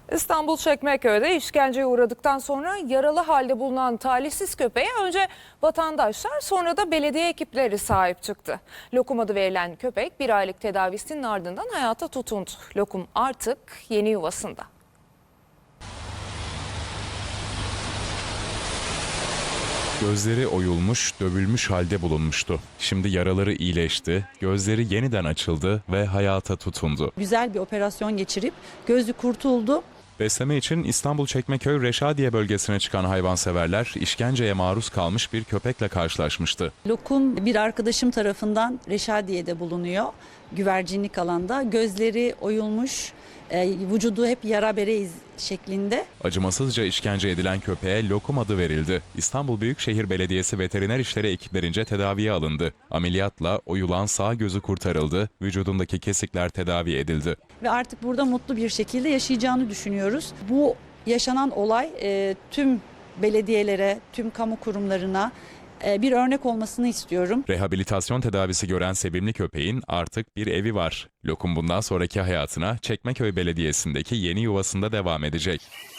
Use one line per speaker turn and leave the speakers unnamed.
İstanbul Çekmeköy'de işkenceye uğradıktan sonra yaralı halde bulunan talihsiz köpeğe önce vatandaşlar sonra da belediye ekipleri sahip çıktı. Lokum adı verilen köpek bir aylık tedavisinin ardından hayata tutundu. Lokum artık yeni yuvasında.
Gözleri oyulmuş, dövülmüş halde bulunmuştu. Şimdi yaraları iyileşti, gözleri yeniden açıldı ve hayata tutundu.
Güzel bir operasyon geçirip gözü kurtuldu.
Besleme için İstanbul Çekmeköy Reşadiye bölgesine çıkan hayvanseverler işkenceye maruz kalmış bir köpekle karşılaşmıştı.
Lokum bir arkadaşım tarafından Reşadiye'de bulunuyor. Güvercinlik alanda. Gözleri oyulmuş, vücudu hep yara bere iz şeklinde.
Acımasızca işkence edilen köpeğe Lokum adı verildi. İstanbul Büyükşehir Belediyesi veteriner işleri ekiplerince tedaviye alındı. Ameliyatla oyulan sağ gözü kurtarıldı, vücudundaki kesikler tedavi edildi.
Ve artık burada mutlu bir şekilde yaşayacağını düşünüyoruz. Bu yaşanan olay tüm belediyelere, tüm kamu kurumlarına bir örnek olmasını istiyorum.
Rehabilitasyon tedavisi gören sevimli köpeğin artık bir evi var. Lokum bundan sonraki hayatına Çekmeköy Belediyesi'ndeki yeni yuvasında devam edecek.